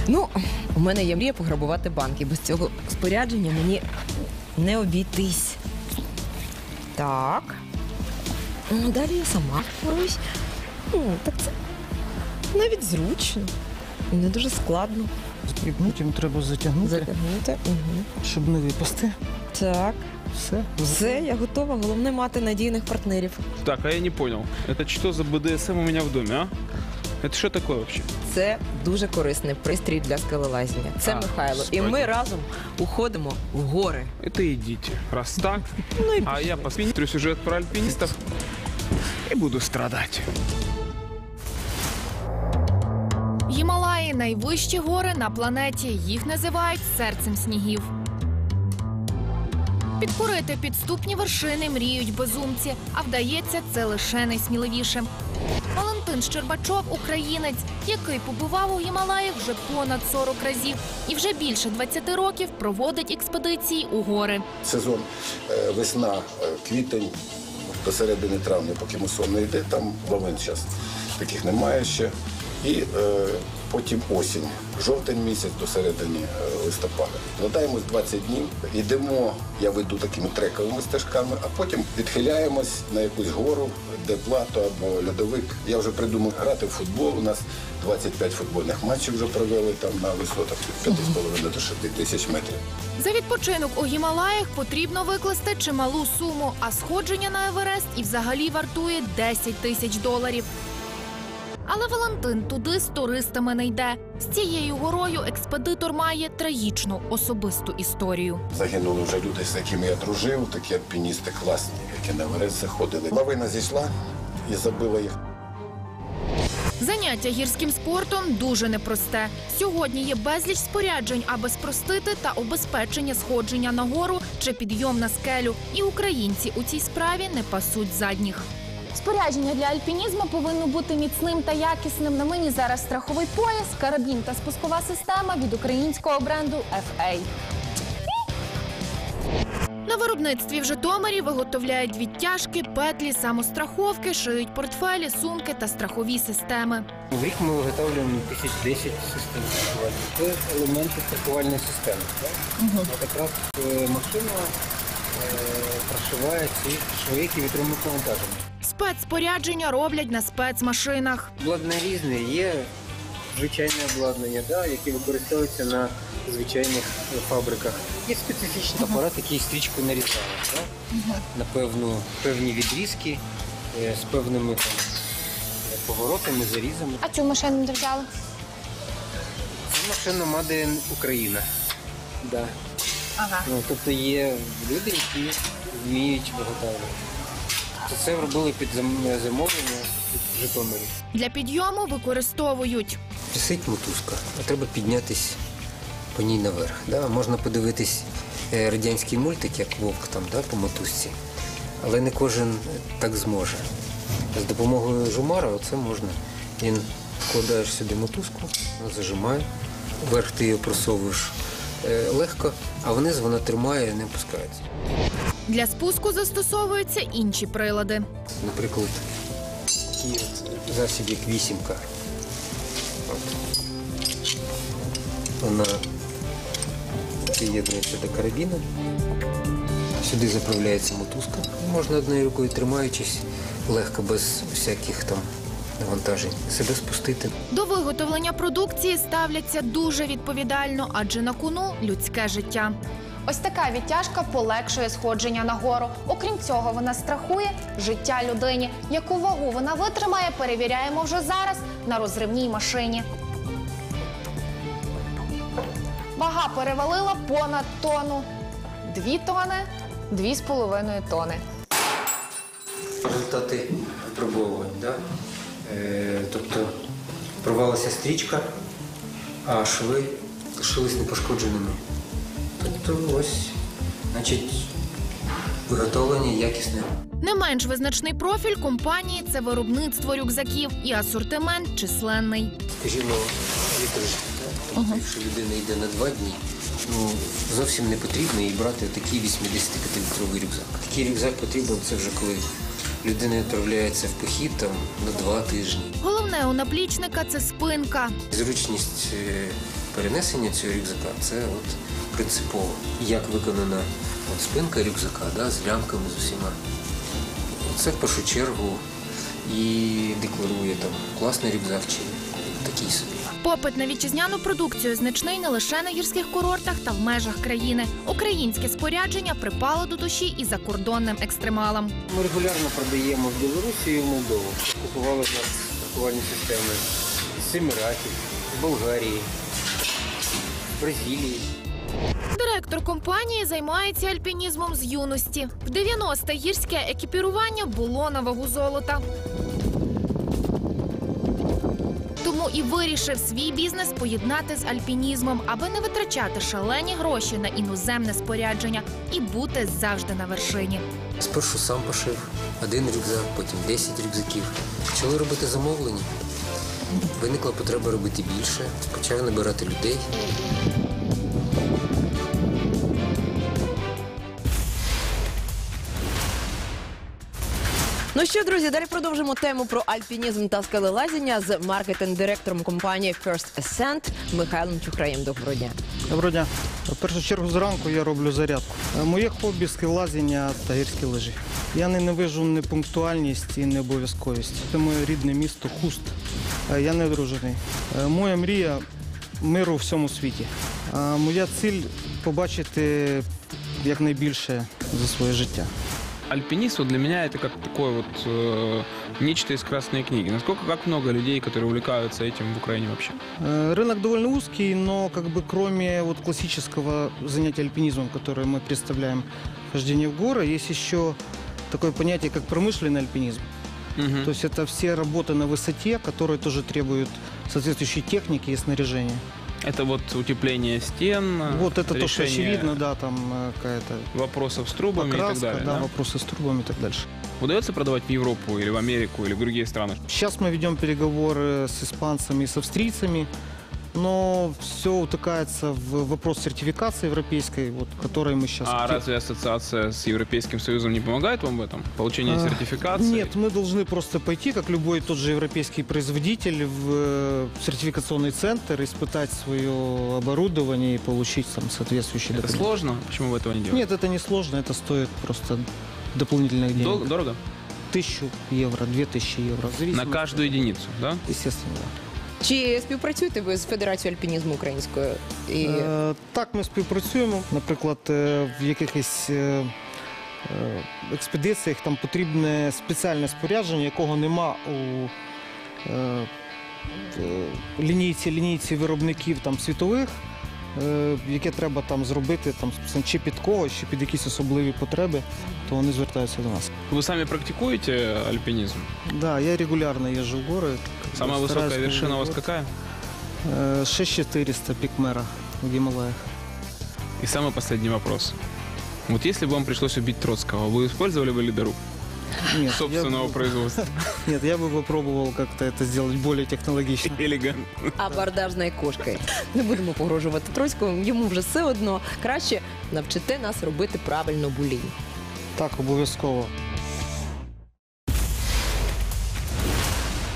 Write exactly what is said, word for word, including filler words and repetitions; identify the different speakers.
Speaker 1: Ну, у мене є мрія пограбувати банк, і без цього спорядження мені не обійтись. Так. Ну, далі я сама впорусь. Ну, так це навіть зручно. І не дуже складно.
Speaker 2: І потім треба затягнути,
Speaker 1: Затягнути. Угу.
Speaker 2: щоб не випасти.
Speaker 1: Так.
Speaker 2: Все.
Speaker 1: Все, я готова. Головне мати надійних партнерів.
Speaker 3: Так, а я не понял. Это что за бэ дэ эс эм у меня в доме, а? Это что такое вообще?
Speaker 1: Це дуже корисний пристрій для скелелазіння. Це
Speaker 3: А,
Speaker 1: Михайло. І
Speaker 3: справді.
Speaker 1: ми разом уходимо в гори.
Speaker 3: Это идите. Раз так,
Speaker 1: Ну і
Speaker 3: а я посмотрю сюжет про альпинистов и буду страдать.
Speaker 4: Гімалаї – найвищі гори на планеті. Їх називають серцем снігів. Підкорити підступні вершини мріють безумці, а вдається це лише найсміливішим. Валентин Щербачов – українець, який побував у Гімалаях вже понад сорок разів і вже більше двадцяти років проводить експедиції у гори.
Speaker 5: Сезон е, весна, е, квітень, до середини травня, поки мусон не йде, там лавин зараз таких немає ще. І е, потім осінь, жовтень місяць до середини е, листопада. Вкладаємось двадцять днів, йдемо, я веду такими трековими стежками, а потім відхиляємось на якусь гору, де плато або льодовик. Я вже придумав грати в футбол, у нас двадцять п'ять футбольних матчів вже провели там на висотах від п'яти з половиною до шести тисяч метрів.
Speaker 4: За відпочинок у Гімалаях потрібно викласти чималу суму, а сходження на Еверест і взагалі вартує десять тисяч доларів. Але Валентин туди з туристами не йде. З цією горою експедитор має трагічну особисту історію.
Speaker 5: Загинули вже люди, з якими я дружив, такі альпіністи класні, які на Еверест заходили. Лавина зійшла і забила їх.
Speaker 4: Заняття гірським спортом дуже непросте. Сьогодні є безліч споряджень, аби спростити та обезпечення сходження на гору чи підйом на скелю. І українці у цій справі не пасуть задніх.
Speaker 6: Спорядження для альпінізму повинно бути міцним та якісним. На мені зараз страховий пояс, карабін та спускова система від українського бренду еф ей.
Speaker 4: На виробництві в Житомирі виготовляють відтяжки, петлі, самостраховки, шиють портфелі, сумки та страхові системи.
Speaker 7: В рік ми виготовлюємо тисяч десять систем страхування. Це елементи страхувальної системи. Так? Угу. От якраз машина е, прошиває ці шви, які витримують навантаження.
Speaker 4: Спецспорядження роблять на спецмашинах.
Speaker 7: Обладнання різне. Є звичайне обладнання, да, яке використовується на звичайних фабриках. Є специфічний апарат, який стрічку нарізає. Да? Угу. На певну, певні відрізки е, з певними там, поворотами, зарізами.
Speaker 6: А цю машину де взяли?
Speaker 7: Це машина Made in Україна. Да.
Speaker 6: Ага.
Speaker 7: Ну, тобто є люди, які вміють виготовлювати. Це робили під замовлення в Житомирі.
Speaker 4: Для підйому використовують
Speaker 8: Висить мотузка, а треба піднятись по ній наверх. Да? Можна подивитись радянський мультик, як вовк там, да, по мотузці, але не кожен так зможе. З допомогою жумара оце можна. Він вкладаєш сюди мотузку, вона зажимає, вверх ти її просовуєш легко, а вниз вона тримає і не опускається.
Speaker 4: Для спуску застосовуються інші прилади.
Speaker 8: Наприклад, такий засіб, як вісімка. От. Вона приєднується до карабіну. Сюди заправляється мотузка. Можна однією рукою, тримаючись, легко, без всяких там навантажень, себе спустити.
Speaker 4: До виготовлення продукції ставляться дуже відповідально, адже на кону людське життя.
Speaker 6: Ось така відтяжка полегшує сходження на гору. Окрім цього, вона страхує життя людині. Яку вагу вона витримає, перевіряємо вже зараз на розривній машині. Вага перевалила понад тонну. Дві тони, дві з половиною тони.
Speaker 8: Результати випробовувань, да? Е, тобто порвалася стрічка, а шви лишились непошкодженими. Тобто ось, значить, виготовлення якісне.
Speaker 4: Не менш визначний профіль компанії – це виробництво рюкзаків і асортимент численний.
Speaker 8: Скажімо, вітраж, тобто, якщо людина йде на два дні, ну, зовсім не потрібно їй брати такий вісімдесятип'ятилітровий рюкзак. Такий рюкзак потрібен, це вже коли людина відправляється в похід там, на два тижні.
Speaker 4: Головне у наплічника – це спинка.
Speaker 8: Зручність перенесення цього рюкзака це от принципово. Як виконана от спинка рюкзака, да, з лямками, з усіма. Це в першу чергу і декларує там класний рюкзак чи такий собі.
Speaker 4: Попит на вітчизняну продукцію значний не лише на гірських курортах та в межах країни. Українське спорядження припало до душі і закордонним екстремалам.
Speaker 7: Ми регулярно продаємо в Білорусі і в Молдову. Купували в нас страхувальні системи з Еміратів, з Болгарії, з Бразилії.
Speaker 4: Директор компанії займається альпінізмом з юності. В дев'яності гірське екіпірування було на вагу золота. Тому і вирішив свій бізнес поєднати з альпінізмом, аби не витрачати шалені гроші на іноземне спорядження і бути завжди на вершині.
Speaker 8: Спершу сам пошив один рюкзак, потім десять рюкзаків. Почали робити замовлення. Виникла потреба робити більше, почав набирати людей.
Speaker 1: Ну що, друзі, далі продовжимо тему про альпінізм та скелелазіння з маркетинг-директором компанії First Ascent Михайлом Чухраєм. Доброго дня.
Speaker 2: Доброго дня. В першу чергу зранку я роблю зарядку. Е, Моє хобі – скелелазіння та гірські лижі. Я ненавижу непунктуальність і необов'язковість. Це моє рідне місто Хуст. Е, Я не одружений. Е, Моя мрія – миру у всьому світі. А моя ціль – побачити якнайбільше за своє життя.
Speaker 3: Альпинист вот для меня это как такое вот э, нечто из красной книги. Насколько, как много людей, которые увлекаются этим в Украине вообще?
Speaker 2: Э, Рынок довольно узкий, но как бы кроме вот классического занятия альпинизмом, которое мы представляем, хождение в горы, есть еще такое понятие, как промышленный альпинизм.
Speaker 3: Мгм.
Speaker 2: То есть это все работы на высоте, которые тоже требуют соответствующей техники и снаряжения.
Speaker 3: Это вот утепление стен,
Speaker 2: Вот это то, что
Speaker 3: решение
Speaker 2: очевидно, да, там э, какая-то
Speaker 3: вопросов с трубами и так
Speaker 2: покраска,
Speaker 3: далее.
Speaker 2: да,
Speaker 3: да?
Speaker 2: вопросы с трубами и так дальше.
Speaker 3: Удается продавать в Европу или в Америку или в другие страны?
Speaker 2: Сейчас мы ведем переговоры с испанцами и с австрийцами, но все утыкается в вопрос сертификации европейской, вот, которой мы сейчас...
Speaker 3: А разве ассоциация с Европейским Союзом не помогает вам в этом? Получение
Speaker 2: А,
Speaker 3: сертификации?
Speaker 2: Нет, мы должны просто пойти, как любой тот же европейский производитель, в э, сертификационный центр, испытать свое оборудование и получить там соответствующие
Speaker 3: Это
Speaker 2: документы.
Speaker 3: сложно? Почему вы этого не делаете?
Speaker 2: Нет, это не сложно, это стоит просто дополнительных денег.
Speaker 3: Дол- Дорого?
Speaker 2: Тысячу евро, две тысячи евро. в
Speaker 3: На
Speaker 2: зависимости
Speaker 3: каждую
Speaker 2: от-
Speaker 3: единицу, да?
Speaker 2: Естественно, да.
Speaker 1: Чи співпрацюєте ви з Федерацією альпінізму українською? І...
Speaker 2: Е, Так, ми співпрацюємо. Наприклад, е, в якихось е, е, експедиціях там потрібне спеціальне спорядження, якого нема у е, в лінійці, лінійці виробників там, світових, е, яке треба там зробити там, спеціально чи під когось, чи під якісь особливі потреби, то вони звертаються до нас.
Speaker 3: Вы сами практикуете альпинизм?
Speaker 2: Да, я регулярно їжджу в гори.
Speaker 3: Самая высокая
Speaker 2: Стараюсь
Speaker 3: вершина у вас
Speaker 2: круглый год.
Speaker 3: какая?
Speaker 2: Е, шесть чотириста пік Мера в Гімалаях.
Speaker 3: И самый последний вопрос. Вот если бы вам пришлось убить Троцкого, вы использовали бы ледоруб
Speaker 2: Ні,
Speaker 3: собственного
Speaker 2: я,
Speaker 3: производства?
Speaker 2: Нет, я бы попробовал как-то это сделать более технологично.
Speaker 3: Элегантно.
Speaker 1: абордажною кошкою. Не будемо погрожувати Троцькому, йому вже все одно. Краще навчите нас робити правильно булінь.
Speaker 2: Так, обов'язково.